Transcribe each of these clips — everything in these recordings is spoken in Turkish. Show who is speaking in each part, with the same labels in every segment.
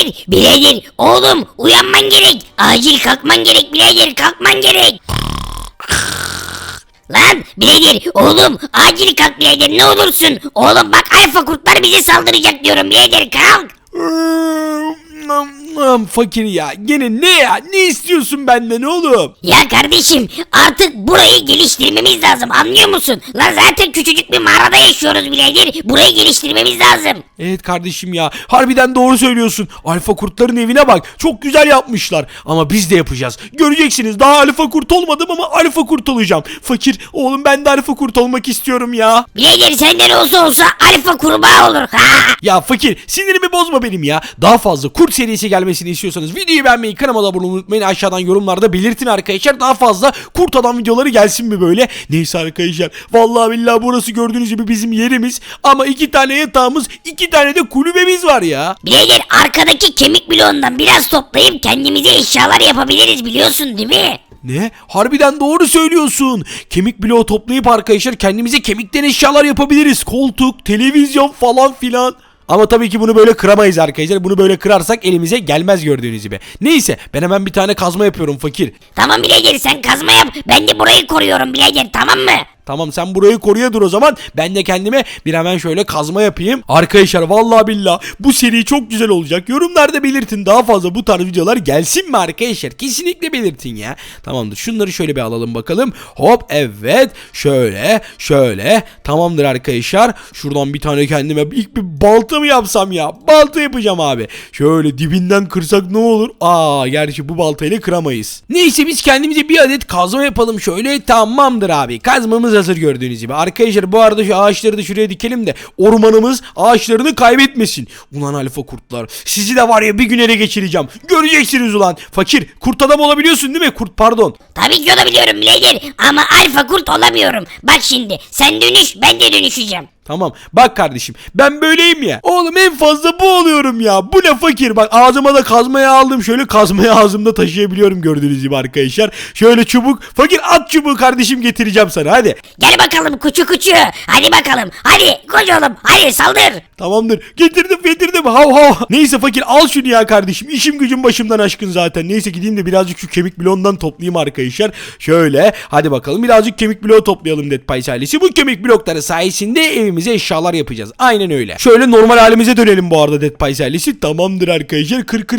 Speaker 1: Birader oğlum uyanman gerek. Acil kalkman gerek birader, kalkman gerek. Lan birader oğlum acil kalk birader, ne olursun. Oğlum bak alfa kurtlar bize saldıracak diyorum birader, kalk.
Speaker 2: Fakir ya, gene ne ya, ne istiyorsun benden oğlum?
Speaker 1: Ya kardeşim artık burayı geliştirmemiz lazım, anlıyor musun? Lan zaten küçücük bir mağarada yaşıyoruz birader. Burayı geliştirmemiz lazım.
Speaker 2: Evet kardeşim ya, harbiden doğru söylüyorsun. Alfa kurtların evine bak, çok güzel yapmışlar. Ama biz de yapacağız. Göreceksiniz, daha alfa kurt olmadım ama alfa kurt olacağım. Fakir oğlum, ben de alfa kurt olmak istiyorum ya.
Speaker 1: Birader senden olsa alfa kurbağa olur. Ha!
Speaker 2: Ya fakir, sinirimi bozma benim ya. Daha fazla kurt serisi gelmesini istiyorsanız videoyu beğenmeyi, kanalıma da abone olmayı unutmayın. Aşağıdan yorumlarda belirtin arkadaşlar. Daha fazla kurt adam videoları gelsin mi böyle? Neyse arkadaşlar, vallahi billahi burası gördüğünüz gibi bizim yerimiz. Ama 2 tane yatağımız, 2 tane de kulübemiz var ya.
Speaker 1: Birader arkadaki kemik bloğundan biraz toplayıp kendimize eşyalar yapabiliriz, biliyorsun değil mi?
Speaker 2: Ne? Harbiden doğru söylüyorsun. Kemik bloğu toplayıp arkadaşlar kendimize kemikten eşyalar yapabiliriz. Koltuk, televizyon falan filan. Ama tabii ki bunu böyle kıramayız arkadaşlar. Bunu böyle kırarsak elimize gelmez gördüğünüz gibi. Neyse, ben hemen bir tane kazma yapıyorum fakir.
Speaker 1: Tamam birader sen kazma yap, ben de burayı koruyorum birader, tamam mı?
Speaker 2: Tamam, sen burayı koruya dur o zaman. Ben de kendime bir hemen şöyle kazma yapayım. Arkadaşlar vallahi billahi bu seri çok güzel olacak. Yorumlarda belirtin, daha fazla bu tarz videolar gelsin mi arkadaşlar? Kesinlikle belirtin ya. Tamamdır, şunları şöyle bir alalım bakalım. Hop, evet, şöyle. Tamamdır arkadaşlar. Şuradan bir tane kendime ilk bir balta mı yapsam ya? Balta yapacağım abi. Şöyle dibinden kırsak ne olur? Gerçi bu baltayla kıramayız. Neyse, biz kendimize bir adet kazma yapalım şöyle. Tamamdır abi, kazmamız hazır gördüğünüz gibi. Arkadaşlar bu arada şu ağaçları da şuraya dikelim de ormanımız ağaçlarını kaybetmesin. Ulan alfa kurtlar, sizi de var ya bir gün ele geçireceğim. Göreceksiniz ulan. Fakir, kurt adam olabiliyorsun değil mi? Kurt, pardon.
Speaker 1: Tabii ki olabiliyorum birader ama alfa kurt olamıyorum. Bak şimdi sen dönüş, ben de dönüşeceğim.
Speaker 2: Tamam, bak kardeşim, ben böyleyim ya. Oğlum en fazla bu oluyorum ya. Bu ne fakir, bak ağzıma da kazmayı aldım. Şöyle kazmayı ağzımda taşıyabiliyorum gördüğünüz gibi arkadaşlar. Şöyle çubuk. Fakir at çubuğu kardeşim, getireceğim sana, hadi.
Speaker 1: Gel bakalım kuçu. Hadi bakalım. Hadi koş oğlum. Hadi saldır.
Speaker 2: Tamamdır, getirdim hav. Neyse fakir, al şunu ya kardeşim, işim gücüm başımdan aşkın zaten. Neyse, gideyim de birazcık şu kemik bloğundan toplayayım arkadaşlar. Şöyle hadi bakalım, birazcık kemik bloğu toplayalım Dead Pies ailesi. Bu kemik blokları sayesinde evimize eşyalar yapacağız, aynen öyle. Şöyle normal halimize dönelim bu arada Dead Pies ailesi. Tamamdır arkadaşlar,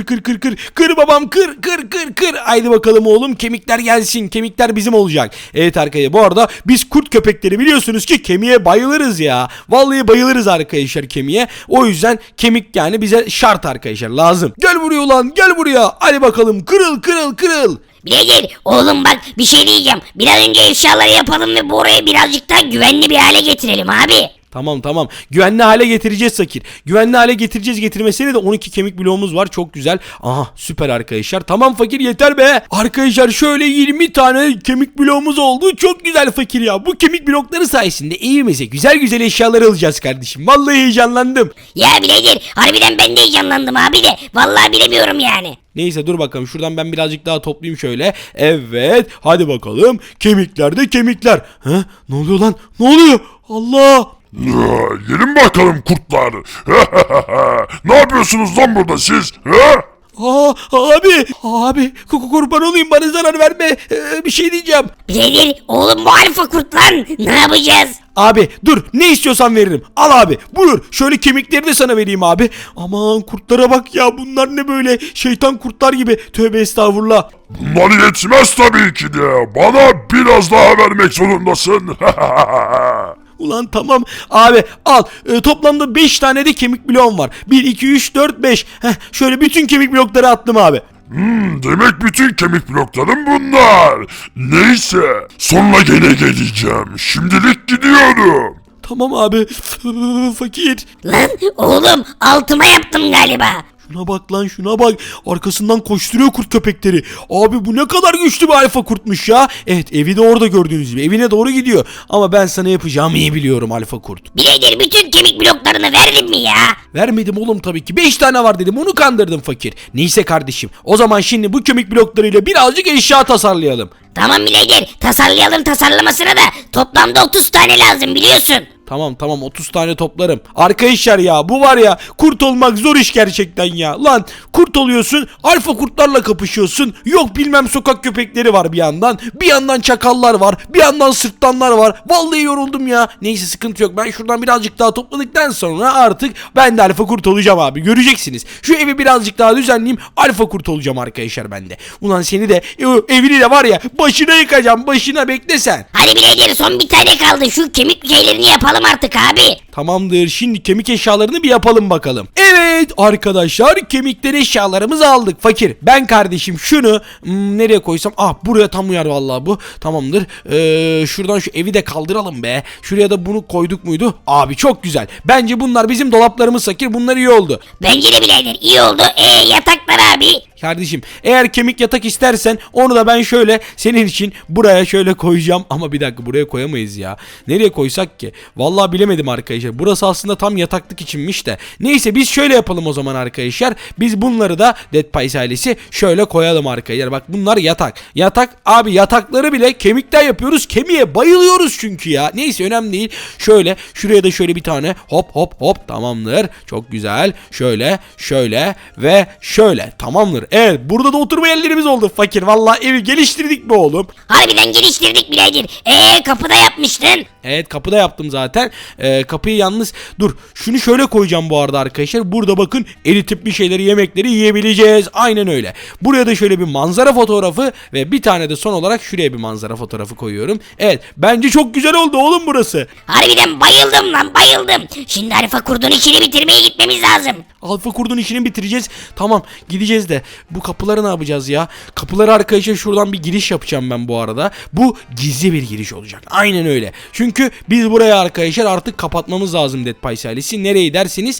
Speaker 2: kır babam, kır. Haydi bakalım oğlum, kemikler gelsin, kemikler bizim olacak. Evet arkadaşlar, bu arada biz kurt köpekleri biliyorsunuz ki kemiğe bayılırız ya. Vallahi bayılırız arkadaşlar kemiğe. O yüzden kemik yani bize şart arkadaşlar, lazım. Gel buraya ulan, gel buraya. Hadi bakalım, kırıl.
Speaker 1: Birader oğlum bak bir şey diyeceğim. Bir an önce eşyaları yapalım ve burayı birazcık daha güvenli bir hale getirelim abi.
Speaker 2: Tamam. Güvenli hale getireceğiz fakir. Güvenli hale getireceğiz. Getirmesine de 12 kemik bloğumuz var. Çok güzel. Aha, süper arkadaşlar. Tamam fakir, yeter be. Arkadaşlar şöyle 20 tane kemik bloğumuz oldu. Çok güzel fakir ya. Bu kemik blokları sayesinde evimize güzel eşyalar alacağız kardeşim. Vallahi heyecanlandım.
Speaker 1: Ya birader harbiden ben de heyecanlandım abi de. Vallahi bilemiyorum yani.
Speaker 2: Neyse, dur bakalım, şuradan ben birazcık daha toplayayım şöyle. Evet, hadi bakalım. Kemikler. Ne oluyor lan? Ne oluyor? Allah!
Speaker 3: Gelin bakalım kurtlar. Ne yapıyorsunuz lan burada siz?
Speaker 2: Abi kurban olayım, bana zarar verme. Bir şey diyeceğim.
Speaker 1: Birader oğlum bu alfa kurt lan. Ne yapacağız?
Speaker 2: Abi dur, ne istiyorsan veririm. Al abi, buyur. Şöyle kemikleri de sana vereyim abi. Aman kurtlara bak ya, bunlar ne böyle şeytan kurtlar gibi. Tövbe estağfurullah.
Speaker 3: Bunlar yetmez tabii ki de. Bana biraz daha vermek zorundasın.
Speaker 2: Ulan tamam abi, al. Toplamda 5 tane de kemik bloğum var. 1, 2, 3, 4, 5. Şöyle bütün kemik blokları attım abi.
Speaker 3: Demek bütün kemik bloklarım bunlar. Neyse, sonra gene geleceğim. Şimdilik gidiyorum.
Speaker 2: Tamam abi. Fakir.
Speaker 1: Lan oğlum altıma yaptım galiba.
Speaker 2: Şuna bak lan, şuna bak. Arkasından koşturuyor kurt köpekleri. Abi bu ne kadar güçlü bir alfa kurtmuş ya. Evet, evi de orada gördüğünüz gibi. Evine doğru gidiyor. Ama ben sana yapacağımı iyi biliyorum alfa kurt.
Speaker 1: Birader bütün kemik bloklarını verdin mi ya?
Speaker 2: Vermedim oğlum tabii ki. 5 tane var dedim, onu kandırdım fakir. Neyse kardeşim, o zaman şimdi bu kemik bloklarıyla birazcık eşya tasarlayalım.
Speaker 1: Tamam birader tasarlayalım, tasarlamasına da toplamda 30 tane lazım biliyorsun.
Speaker 2: Tamam 30 tane toplarım. Arkadaşlar ya bu var ya, kurt olmak zor iş gerçekten ya. Lan kurt oluyorsun, alfa kurtlarla kapışıyorsun. Yok bilmem sokak köpekleri var bir yandan. Bir yandan çakallar var. Bir yandan sırtlanlar var. Vallahi yoruldum ya. Neyse sıkıntı yok. Ben şuradan birazcık daha topladıktan sonra artık ben de alfa kurt olacağım abi. Göreceksiniz. Şu evi birazcık daha düzenleyeyim. Alfa kurt olacağım arkadaşlar ben de. Ulan seni de evini de var ya başına yıkacağım. Başına bekle sen.
Speaker 1: Hadi birader son bir tane kaldı. Şu kemik şeylerini yapalım artık abi.
Speaker 2: Tamamdır. Şimdi kemik eşyalarını bir yapalım bakalım. Evet arkadaşlar, kemikleri eşyalarımızı aldık. Fakir, ben kardeşim şunu nereye koysam? Ah, buraya tam uyar vallahi bu. Tamamdır. Şuradan şu evi de kaldıralım be. Şuraya da bunu koyduk muydu? Abi çok güzel. Bence bunlar bizim dolaplarımız Fakir. Bunlar iyi oldu.
Speaker 1: Bence de birader iyi oldu. Yataklar abi.
Speaker 2: Kardeşim, eğer kemik yatak istersen onu da ben şöyle senin için buraya şöyle koyacağım. Ama bir dakika, buraya koyamayız ya. Nereye koysak ki? Vallahi bilemedim arkadaşlar. Burası aslında tam yataklık içinmiş de. Neyse biz şöyle yapalım o zaman arkadaşlar. Biz bunları da Dead Pies ailesi şöyle koyalım arkadaşlar. Bak bunlar yatak. Yatak abi, yatakları bile kemikten yapıyoruz. Kemiğe bayılıyoruz çünkü ya. Neyse önemli değil. Şöyle şuraya da şöyle bir tane hop tamamdır. Çok güzel. Şöyle ve şöyle. Tamamdır. Evet, burada da oturma yerlerimiz oldu Fakir. Vallahi evi geliştirdik mi oğlum?
Speaker 1: Harbiden geliştirdik birader. Kapıda yapmıştın.
Speaker 2: Evet, kapıda yaptım zaten. Kapıyı yalnız dur. Şunu şöyle koyacağım bu arada arkadaşlar. Burada bakın eritip bir şeyleri, yemekleri yiyebileceğiz. Aynen öyle. Buraya da şöyle bir manzara fotoğrafı ve bir tane de son olarak şuraya bir manzara fotoğrafı koyuyorum. Evet, bence çok güzel oldu oğlum burası.
Speaker 1: Harbiden bayıldım lan bayıldım. Şimdi alfa kurdun işini bitirmeye gitmemiz lazım.
Speaker 2: Alfa kurdun işini bitireceğiz. Tamam, gideceğiz de bu kapıları ne yapacağız ya? Kapıları arkadaşlar şuradan bir giriş yapacağım ben bu arada. Bu gizli bir giriş olacak. Aynen öyle. Çünkü biz buraya arkadaşlar artık kapatmamız lazım Dead Pies ailesi. Nereyi derseniz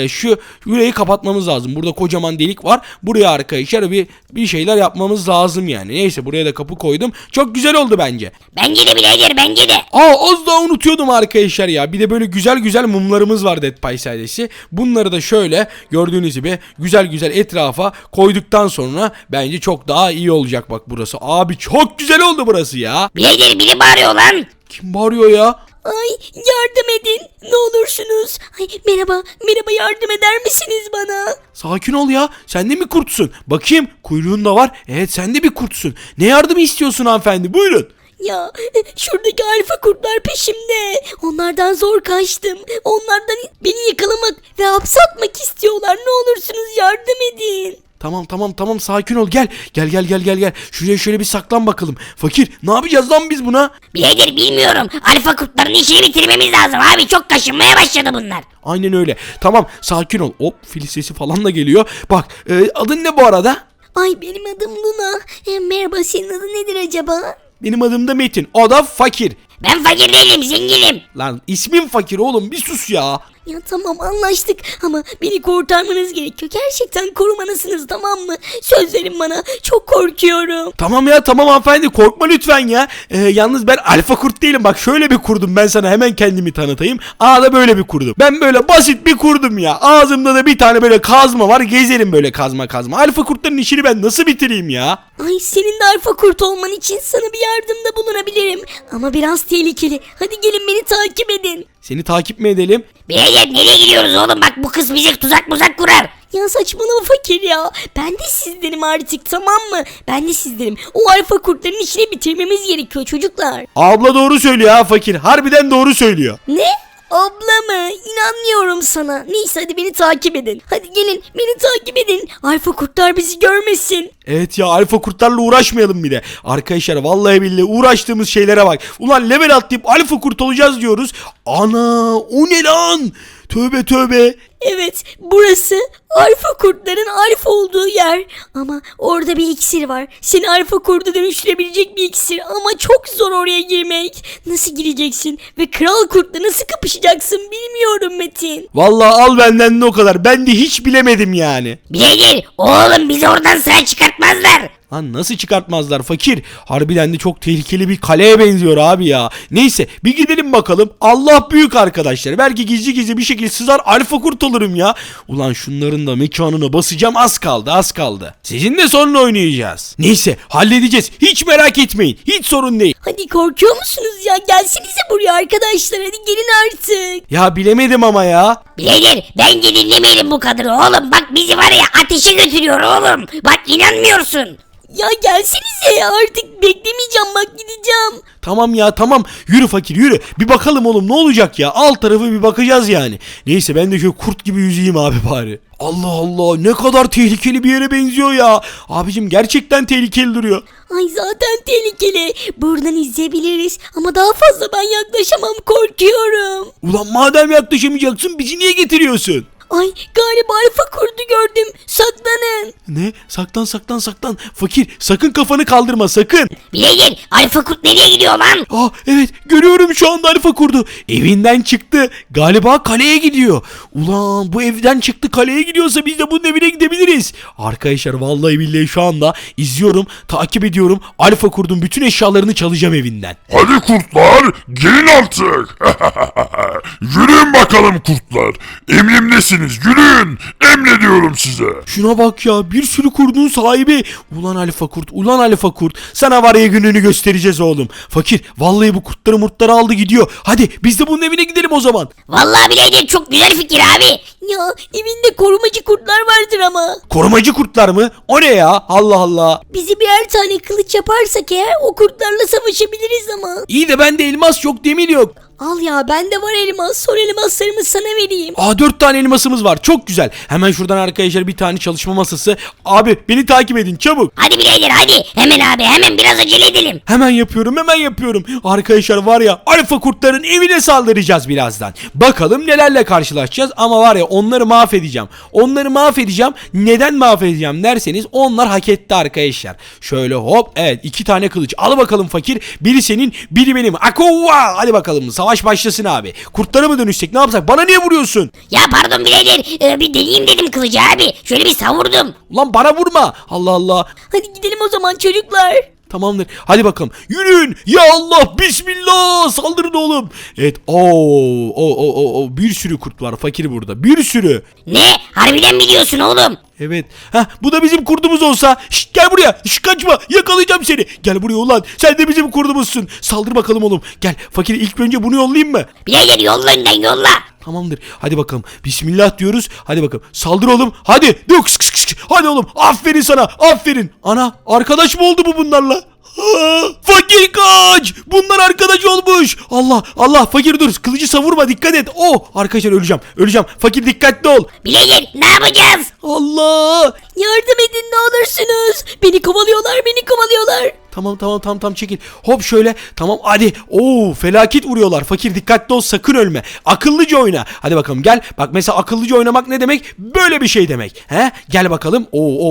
Speaker 2: burayı kapatmamız lazım. Burada kocaman delik var. Buraya arkadaşlar bir şeyler yapmamız lazım yani. Neyse, buraya da kapı koydum. Çok güzel oldu bence.
Speaker 1: Bence de birader bence de.
Speaker 2: Az daha unutuyordum arkadaşlar ya. Bir de böyle güzel mumlarımız var Dead Pies ailesi. Bunları da şöyle gördüğünüz gibi güzel etrafa koyduktan sonra bence çok daha iyi olacak bak burası. Abi çok güzel oldu burası ya.
Speaker 1: Birader biri bağırıyor lan.
Speaker 2: Kim bağırıyor ya?
Speaker 4: Ay yardım edin ne olursunuz. Ay merhaba yardım eder misiniz bana?
Speaker 2: Sakin ol ya. Sen de mi kurtsun? Bakayım, kuyruğun da var. Evet, sen de bir kurtsun. Ne yardımı istiyorsun hanımefendi? Buyurun.
Speaker 4: Ya şuradaki alfa kurtlar peşimde. Onlardan zor kaçtım. Onlardan beni yakalamak ve hapse atmak istiyorlar. Ne olursunuz yardım edin.
Speaker 2: Tamam sakin ol, gel. Şuraya şöyle bir saklan bakalım. Fakir, ne yapacağız lan biz buna?
Speaker 1: Birader bilmiyorum. Alfa kurtların işini bitirmemiz lazım abi. Çok kaşınmaya başladı bunlar.
Speaker 2: Aynen öyle. Tamam, sakin ol. Hop, fil sesi falan da geliyor. Bak, adın ne bu arada?
Speaker 4: Ay benim adım Luna. Merhaba senin adın nedir acaba?
Speaker 2: Benim adım da Metin. O da Fakir.
Speaker 1: Ben fakir değilim zenginim.
Speaker 2: Lan ismin Fakir oğlum, bir sus ya.
Speaker 4: Ya tamam anlaştık ama beni kurtarmanız gerekiyor. Gerçekten korumalısınız tamam mı? Söz verin bana. Çok korkuyorum.
Speaker 2: Tamam ya, tamam hanımefendi, korkma lütfen ya. Yalnız ben alfa kurt değilim. Bak şöyle bir kurdum, ben sana hemen kendimi tanıtayım. Da böyle bir kurdum. Ben böyle basit bir kurdum ya. Ağzımda da bir tane böyle kazma var. Gezerim böyle kazma. Alfa kurtların işini ben nasıl bitireyim ya?
Speaker 4: Ay senin de alfa kurt olman için sana bir yardımda bulunabilirim. Ama biraz tehlikeli. Hadi gelin beni takip edin.
Speaker 2: Seni takip mi edelim?
Speaker 1: Birader nereye gidiyoruz oğlum? Bak bu kız bize tuzak kurar.
Speaker 4: Ya saçmalama fakir ya. Ben de sizdenim artık tamam mı? Ben de sizdenim. O alfa kurtların işini bitirmemiz gerekiyor çocuklar.
Speaker 2: Abla doğru söylüyor ha Fakir. Harbiden doğru söylüyor.
Speaker 4: Ne? Abla mı? İnanmıyorum sana. Neyse hadi beni takip edin. Hadi gelin beni takip edin. Alfa kurtlar bizi görmesin.
Speaker 2: Evet ya, alfa kurtlarla uğraşmayalım bir de. Arkadaşlar vallahi billahi uğraştığımız şeylere bak. Ulan level atlayıp alfa kurt olacağız diyoruz. Ana, o ne lan? Tövbe.
Speaker 4: Evet burası alfa kurtların alfa olduğu yer. Ama orada bir iksir var. Seni alfa kurda dönüştürebilecek bir iksir. Ama çok zor oraya girmek. Nasıl gireceksin? Ve kral kurtla nasıl kapışacaksın bilmiyorum Metin.
Speaker 2: Vallahi al benden de o kadar. Ben de hiç bilemedim yani.
Speaker 1: Birader oğlum bizi oradan sağ çıkartmazlar.
Speaker 2: Lan nasıl çıkartmazlar Fakir? Harbiden de çok tehlikeli bir kaleye benziyor abi ya. Neyse bir gidelim bakalım. Allah büyük arkadaşlar. Belki gizli bir şekilde sızar alfa kurt olur. olurum ya. Ulan şunların da mekanına basacağım, az kaldı az kaldı. Sizinle sonra oynayacağız. Neyse halledeceğiz, hiç merak etmeyin, hiç sorun değil.
Speaker 4: Hadi korkuyor musunuz ya? Gelsenize buraya arkadaşlar, hadi gelin artık.
Speaker 2: Ya bilemedim ama ya.
Speaker 1: Birader bence dinlemeyelim bu kadını oğlum. Bak bizi var ya ateşe götürüyor oğlum. Bak inanmıyorsun.
Speaker 4: Ya gelsenize ya, artık beklemeyeceğim, bak gideceğim.
Speaker 2: Tamam ya tamam, yürü fakir yürü. Bir bakalım oğlum ne olacak ya, alt tarafı bir bakacağız yani. Neyse ben de şöyle kurt gibi yüzeyim abi bari. Allah Allah, ne kadar tehlikeli bir yere benziyor ya. Abicim gerçekten tehlikeli duruyor.
Speaker 4: Ay zaten tehlikeli. Buradan izleyebiliriz ama daha fazla ben yaklaşamam, korkuyorum.
Speaker 2: Ulan madem yaklaşamayacaksın bizi niye getiriyorsun?
Speaker 4: Ay galiba alfa kurdu gördüm. Saklanın.
Speaker 2: Ne? Saklan saklan saklan. Fakir sakın kafanı kaldırma sakın.
Speaker 1: Birader alfa kurt nereye gidiyor lan?
Speaker 2: Ah evet, görüyorum şu anda alfa kurdu. Evinden çıktı. Galiba kaleye gidiyor. Ulan bu evden çıktı kaleye gidiyorsa biz de bunun evine gidebiliriz. Arkadaşlar vallahi billahi şu anda izliyorum, takip ediyorum. Alfa kurdun bütün eşyalarını çalacağım evinden.
Speaker 3: Hadi kurtlar gelin artık. Yürüyün bakalım kurtlar. Emrimdesiniz, yürüyün. Emrediyorum size.
Speaker 2: Şuna bak ya, bir sürü kurdun sahibi. Ulan alfa kurt, ulan alfa kurt. Sana var ya gününü göstereceğiz oğlum. Fakir vallahi bu kurtları murtları aldı gidiyor. Hadi biz de bunun evine gidelim o zaman.
Speaker 1: Vallahi birader çok güzel fikir abi.
Speaker 4: Ya evinde korumacı kurtlar vardır ama.
Speaker 2: Korumacı kurtlar mı? O ne ya? Allah Allah.
Speaker 4: Bizi birer tane kılıç yaparsak eğer o kurtlarla savaşabiliriz ama.
Speaker 2: İyi de bende elmas yok, demir yok.
Speaker 4: Al ya, bende var elmas. Son elmaslarımı sana vereyim.
Speaker 2: Aa 4 tane elmasımız var, çok güzel. Hemen şuradan arkadaşlar bir tane çalışma masası. Abi beni takip edin çabuk.
Speaker 1: Hadi birader hadi. Hemen abi hemen biraz acele edelim.
Speaker 2: Hemen yapıyorum hemen yapıyorum. Arkadaşlar var ya, alfa kurtların evine saldıracağız birazdan. Bakalım nelerle karşılaşacağız ama var ya onları mahvedeceğim. Onları mahvedeceğim. Neden mahvedeceğim derseniz onlar hak etti arkadaşlar. Şöyle hop, evet 2 tane kılıç. Al bakalım fakir. Biri senin biri benim. Akova. Hadi bakalım savaş başlasın abi. Kurtlara mı dönüşsek, ne yapsak? Bana niye vuruyorsun?
Speaker 1: Ya pardon birader bir deneyeyim dedim kılıcı abi. Şöyle bir savurdum.
Speaker 2: Ulan bana vurma. Allah Allah.
Speaker 4: Hadi gidelim o zaman çocuklar.
Speaker 2: Tamamdır. Hadi bakalım. Yürüyün. Ya Allah. Bismillah. Saldırın oğlum. Evet. Bir sürü kurt var fakir burada. Bir sürü.
Speaker 1: Ne? Harbiden mi diyorsun oğlum?
Speaker 2: Evet. Heh, bu da bizim kurdumuz olsa. Şşt, gel buraya. Şşt, kaçma. Yakalayacağım seni. Gel buraya ulan. Sen de bizim kurdumuzsun. Saldır bakalım oğlum. Gel. Fakir ilk önce bunu yollayayım mı?
Speaker 1: Birader yolla önden yolla.
Speaker 2: Tamamdır. Hadi bakalım. Bismillah diyoruz. Hadi bakalım. Saldır oğlum. Hadi. Kıs kıs kıs. Hadi oğlum. Aferin sana. Aferin. Ana. Arkadaş mı oldu bu bunlarla? Fakir kaç. Bunlar arkadaş olmuş. Allah Allah, fakir dur. Kılıcı savurma, dikkat et. Arkadaşlar öleceğim. Öleceğim. Fakir dikkatli ol.
Speaker 1: Birader ne yapacağız?
Speaker 2: Allah.
Speaker 4: Yardım edin ne olursunuz. Beni kovalıyorlar, beni kovalıyorlar.
Speaker 2: Tamam çekil. Hop şöyle. Tamam hadi. Felaket vuruyorlar. Fakir dikkatli ol, sakın ölme. Akıllıca oyna. Hadi bakalım gel. Bak mesela akıllıca oynamak ne demek? Böyle bir şey demek. He? Gel bakalım.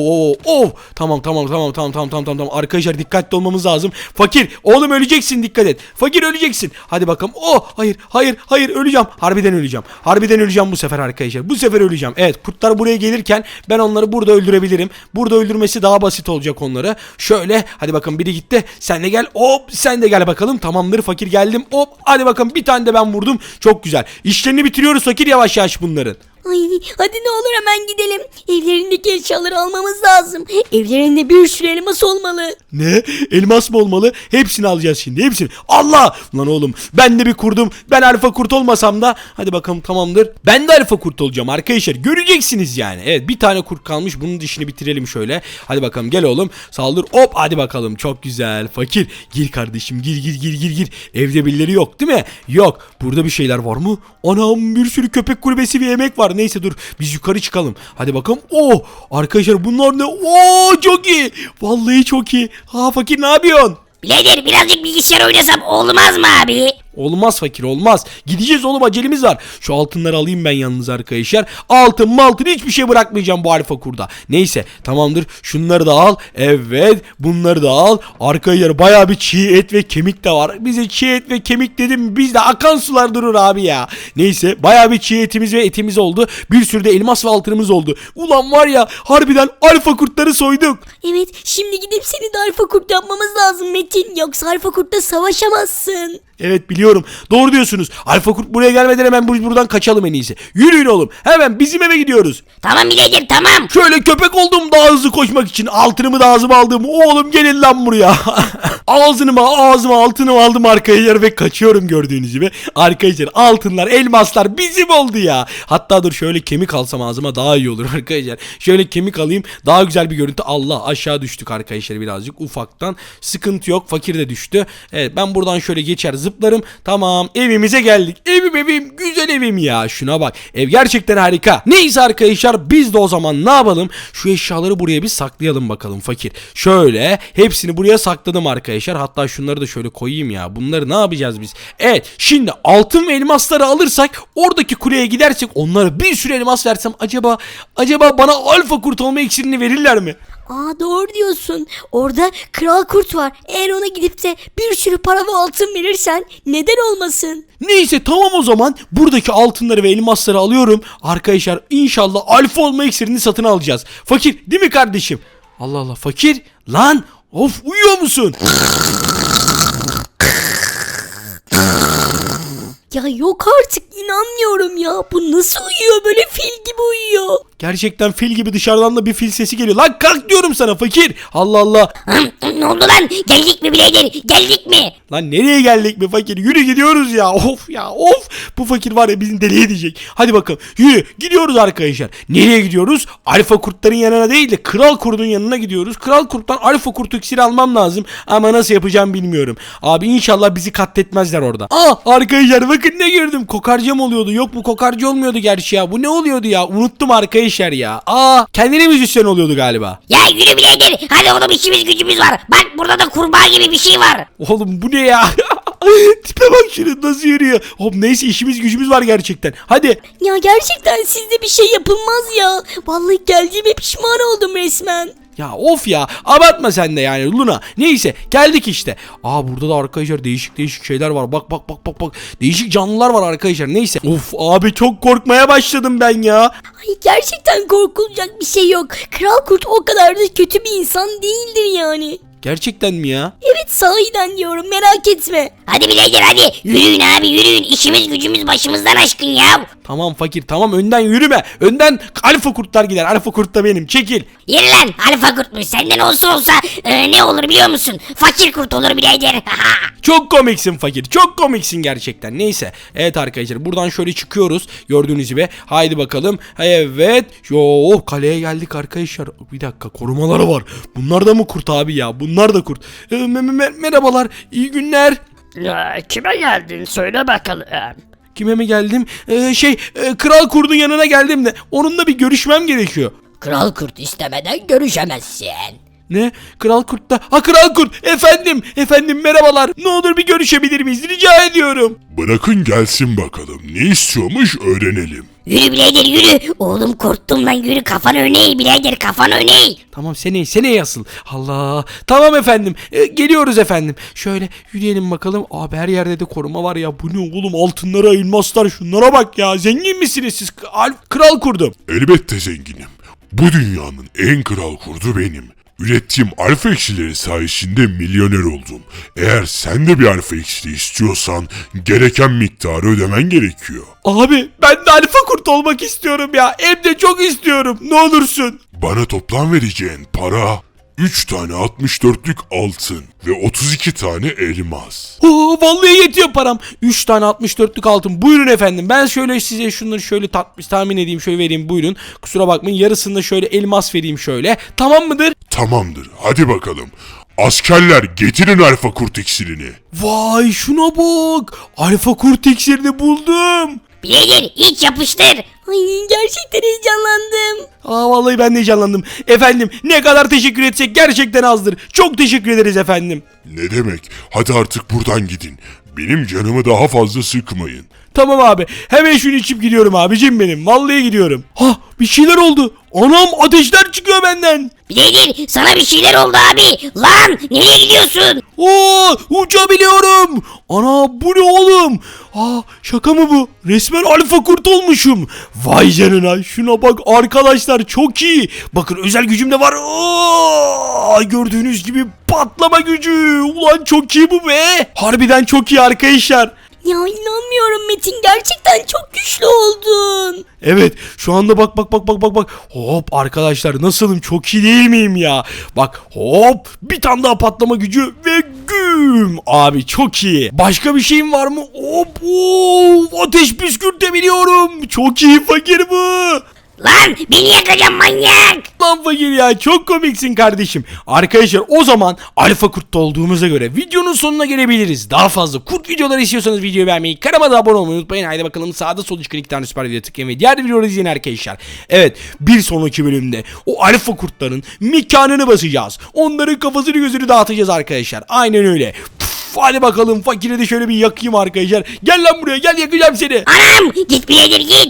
Speaker 2: Tamam. Arkadaşlar dikkatli olmamız lazım. Fakir oğlum öleceksin, dikkat et. Fakir öleceksin. Hadi bakalım. Hayır öleceğim. Harbiden öleceğim bu sefer arkadaşlar. Bu sefer öleceğim. Evet, kurtlar buraya gelirken ben onları burada öldürebilirim. Burada öldürmesi daha basit olacak onları. Şöyle hadi bakın, biri gitti. Sen de gel. Hop, sen de gel bakalım. Tamamdır fakir, geldim. Hop, hadi bakın bir tane de ben vurdum. Çok güzel. İşlerini bitiriyoruz fakir, yavaş yavaş bunların.
Speaker 4: Ay hadi ne olur hemen gidelim. Evlerindeki eşyaları almamız lazım. Evlerinde bir sürü elmas olmalı.
Speaker 2: Ne? Elmas mı olmalı? Hepsini alacağız şimdi, hepsini. Allah! Lan oğlum ben de bir kurdum. Ben alfa kurt olmasam da hadi bakalım, tamamdır. Ben de alfa kurt olacağım arkadaşlar. Göreceksiniz yani. Evet, bir tane kurt kalmış. Bunun dişini bitirelim şöyle. Hadi bakalım gel oğlum. Saldır. Hop, hadi bakalım. Çok güzel. Fakir. Gir kardeşim. Gir. Evde birileri yok değil mi? Yok. Burada bir şeyler var mı? Anam, bir sürü köpek kulübesi ve yemek var. Neyse dur. Biz yukarı çıkalım. Hadi bakalım. Arkadaşlar bunlar ne? Çok iyi. Vallahi çok iyi. Fakir ne yapıyorsun?
Speaker 1: Birader birazcık bilgisayar oynasam olmaz mı abi?
Speaker 2: Olmaz fakir, olmaz. Gideceğiz oğlum, acelemiz var. Şu altınları alayım ben yalnız arkadaşlar. Altın hiçbir şey bırakmayacağım bu alfa kurda. Neyse tamamdır, şunları da al. Evet, bunları da al. Arkadaşlar bayağı bir çiğ et ve kemik de var. Bize çiğ et ve kemik dedim, bizde akan sular durur abi ya. Neyse, bayağı bir çiğ etimiz ve etimiz oldu. Bir sürü de elmas ve altınımız oldu. Ulan var ya, harbiden alfa kurtları soyduk.
Speaker 4: Evet, şimdi gidip seni de alfa kurt yapmamız lazım Metin. Yoksa alfa kurtla savaşamazsın.
Speaker 2: Evet biliyorum. Doğru diyorsunuz. Alfa kurt buraya gelmeden hemen biz buradan kaçalım en iyisi. Yürüyün oğlum. Hemen bizim eve gidiyoruz.
Speaker 1: Tamam birader tamam.
Speaker 2: Şöyle köpek oldum daha hızlı koşmak için. Altınımı da ağzıma aldım. Oğlum gelin lan buraya. Ağzıma altınımı aldım arkadaşlar ve kaçıyorum gördüğünüz gibi. Arkadaşlar altınlar, elmaslar bizim oldu ya. Hatta dur şöyle kemik alsam ağzıma daha iyi olur arkadaşlar. Şöyle kemik alayım daha güzel bir görüntü. Allah aşağı düştük arkadaşlar birazcık ufaktan. Sıkıntı yok. Fakir de düştü. Evet ben buradan şöyle geçer zıplarım. Tamam evimize geldik. Evim güzel evim ya. Şuna bak. Ev gerçekten harika. Neyse arkadaşlar biz de o zaman ne yapalım? Şu eşyaları buraya bir saklayalım bakalım fakir. Şöyle hepsini buraya sakladım arkadaşlar. Hatta şunları da şöyle koyayım ya. Bunları ne yapacağız biz? Evet şimdi altın ve elmasları alırsak oradaki kuleye gidersek onlara bir sürü elmas versem acaba bana alfa kurt olma iksirini verirler mi?
Speaker 4: Aa doğru diyorsun. Orada kral kurt var. Eğer ona gidip de bir sürü para ve altın verirsen neden olmasın?
Speaker 2: Neyse tamam o zaman buradaki altınları ve elmasları alıyorum. Arkadaşlar inşallah alfa olma iksirini satın alacağız. Fakir değil mi kardeşim? Allah Allah fakir lan of uyuyor musun?
Speaker 4: Ya yok artık inanmıyorum ya. Bu nasıl uyuyor böyle fil gibi uyuyor.
Speaker 2: Gerçekten fil gibi dışarıdan da bir fil sesi geliyor. Lan kalk diyorum sana fakir. Allah Allah.
Speaker 1: Ne oldu lan? Geldik mi birader? Geldik mi?
Speaker 2: Lan nereye geldik mi fakir? Yürü gidiyoruz ya. Of ya of. Bu fakir var ya bizi deli edecek. Hadi bakalım yürü gidiyoruz arkadaşlar. Nereye gidiyoruz? Alfa kurtların yanına değil de kral kurdun yanına gidiyoruz. Kral kurttan alfa kurt iksiri almam lazım. Ama nasıl yapacağım bilmiyorum. Abi inşallah bizi katletmezler orada. Arkadaşlar bakın ne gördüm. Kokarca mı oluyordu? Yok bu kokarca olmuyordu gerçi ya. Bu ne oluyordu ya? Unuttum arkadaşlar ya. Kendine müzisyen oluyordu galiba.
Speaker 1: Ya yürü birader. Hadi oğlum işimiz gücümüz var. Bak burada da kurbağa gibi bir şey var.
Speaker 2: Oğlum bu ne ya? Tipe bak şunu nasıl yürüyor. Hop neyse işimiz gücümüz var gerçekten. Hadi.
Speaker 4: Ya gerçekten sizde bir şey yapılmaz ya. Vallahi geldiğime pişman oldum resmen.
Speaker 2: Ya of ya abartma sen de yani Luna. Neyse geldik işte. Burada da arkadaşlar değişik şeyler var. Bak. Değişik canlılar var arkadaşlar. Neyse. Of abi çok korkmaya başladım ben ya.
Speaker 4: Ay gerçekten korkulacak bir şey yok. Kral kurt o kadar da kötü bir insan değildir yani.
Speaker 2: Gerçekten mi ya?
Speaker 4: Evet sahiden diyorum merak etme.
Speaker 1: Hadi birader hadi. Yürüyün abi yürüyün. İşimiz gücümüz başımızdan aşkın ya.
Speaker 2: Tamam fakir tamam önden yürüme. Önden alfa kurtlar gider. Alfa kurt da benim. Çekil.
Speaker 1: Yürü lan alfa kurtmuş. Senden olsa ne olur biliyor musun? Fakir kurt olur birader.
Speaker 2: Çok komiksin fakir. Çok komiksin gerçekten. Neyse. Evet arkadaşlar buradan şöyle çıkıyoruz. Gördüğünüz gibi. Haydi bakalım. Evet. Kaleye geldik arkadaşlar. Bir dakika korumaları var. Bunlar da mı kurt abi ya? Bunlar da kurt. Merhabalar. İyi günler.
Speaker 5: Kime geldin söyle bakalım.
Speaker 2: Kime mi geldim? Kral kurdun yanına geldim de onunla bir görüşmem gerekiyor.
Speaker 5: Kral kurt istemeden görüşemezsin.
Speaker 2: Ne? Kral kurt da. Kral kurt. Efendim merhabalar. Ne olur bir görüşebilir miyiz? Rica ediyorum.
Speaker 3: Bırakın gelsin bakalım. Ne istiyormuş öğrenelim.
Speaker 1: Yürü birader yürü. Oğlum korktum lan yürü kafan öne birader kafan öne.
Speaker 2: Tamam seneye asıl. Allah. Tamam efendim. Geliyoruz efendim. Şöyle yürüyelim bakalım. Abi her yerde de koruma var ya. Bu ne oğlum altınlara elmaslar şunlara bak ya. Zengin misiniz siz? Kral kurdum.
Speaker 3: Elbette zenginim. Bu dünyanın en kral kurdu benim. Ürettiğim alfa iksirleri sayesinde milyoner oldum. Eğer sen de bir alfa iksiri istiyorsan gereken miktarı ödemen gerekiyor.
Speaker 2: Abi ben de alfa kurt olmak istiyorum ya. Hem de çok istiyorum. Ne olursun.
Speaker 3: Bana toplam vereceğin para 3 tane 64'lük altın ve 32 tane elmas.
Speaker 2: Vallahi yetiyor param. 3 tane 64'lük altın. Buyurun efendim. Ben şöyle size şunları şöyle tahmin edeyim. Şöyle vereyim buyurun. Kusura bakmayın. Yarısında şöyle elmas vereyim şöyle. Tamam mıdır?
Speaker 3: Tamamdır. Hadi bakalım. Askerler getirin alfa kurt iksirini.
Speaker 2: Vay şuna bak. Alfa kurt iksirini buldum.
Speaker 1: Birader hiç yapıştır.
Speaker 4: Ay gerçekten heyecanlandım.
Speaker 2: Vallahi ben de heyecanlandım. Efendim ne kadar teşekkür etsek gerçekten azdır. Çok teşekkür ederiz efendim.
Speaker 3: Ne demek? Hadi artık buradan gidin. Benim canımı daha fazla sıkmayın.
Speaker 2: Tamam abi. Hemen şunu içip gidiyorum abicim benim. Vallahi gidiyorum. Ha bir şeyler oldu. Anam ateşler çıkıyor benden.
Speaker 1: Bileydir sana bir şeyler oldu abi. Lan nereye gidiyorsun?
Speaker 2: Oo uçabiliyorum. Ana bu ne oğlum? Aa şaka mı bu? Resmen alfa kurt olmuşum. Vay canına şuna bak arkadaşlar çok iyi. Bakın özel gücüm de var. Oo, gördüğünüz gibi patlama gücü. Ulan çok iyi bu be. Harbiden çok iyi arkadaşlar.
Speaker 4: Ya inanmıyorum Metin, gerçekten çok güçlü oldun.
Speaker 2: Evet şu anda bak. Hop arkadaşlar nasılım çok iyi değil miyim ya? Bak hop bir tane daha patlama gücü ve güm. Abi çok iyi. Başka bir şeyim var mı? Hop ateş püskürtebiliyorum. Çok iyi fakir bu.
Speaker 1: Lan beni yakacaksın manyak.
Speaker 2: Lan fakir ya çok komiksin kardeşim. Arkadaşlar o zaman alfa kurtta olduğumuza göre videonun sonuna gelebiliriz. Daha fazla kurt videoları istiyorsanız videoyu beğenmeyi, kanalıma da abone olmayı unutmayın. Haydi bakalım sağda solda çıkan 2 tane süper video tıklayın ve diğer videoları izleyin arkadaşlar. Evet bir sonraki bölümde o alfa kurtların mekanını basacağız. Onların kafasını gözünü dağıtacağız arkadaşlar. Aynen öyle. Hadi bakalım fakire de şöyle bir yakayım arkadaşlar. Gel lan buraya gel yakacağım seni.
Speaker 1: Anam git bileydir git.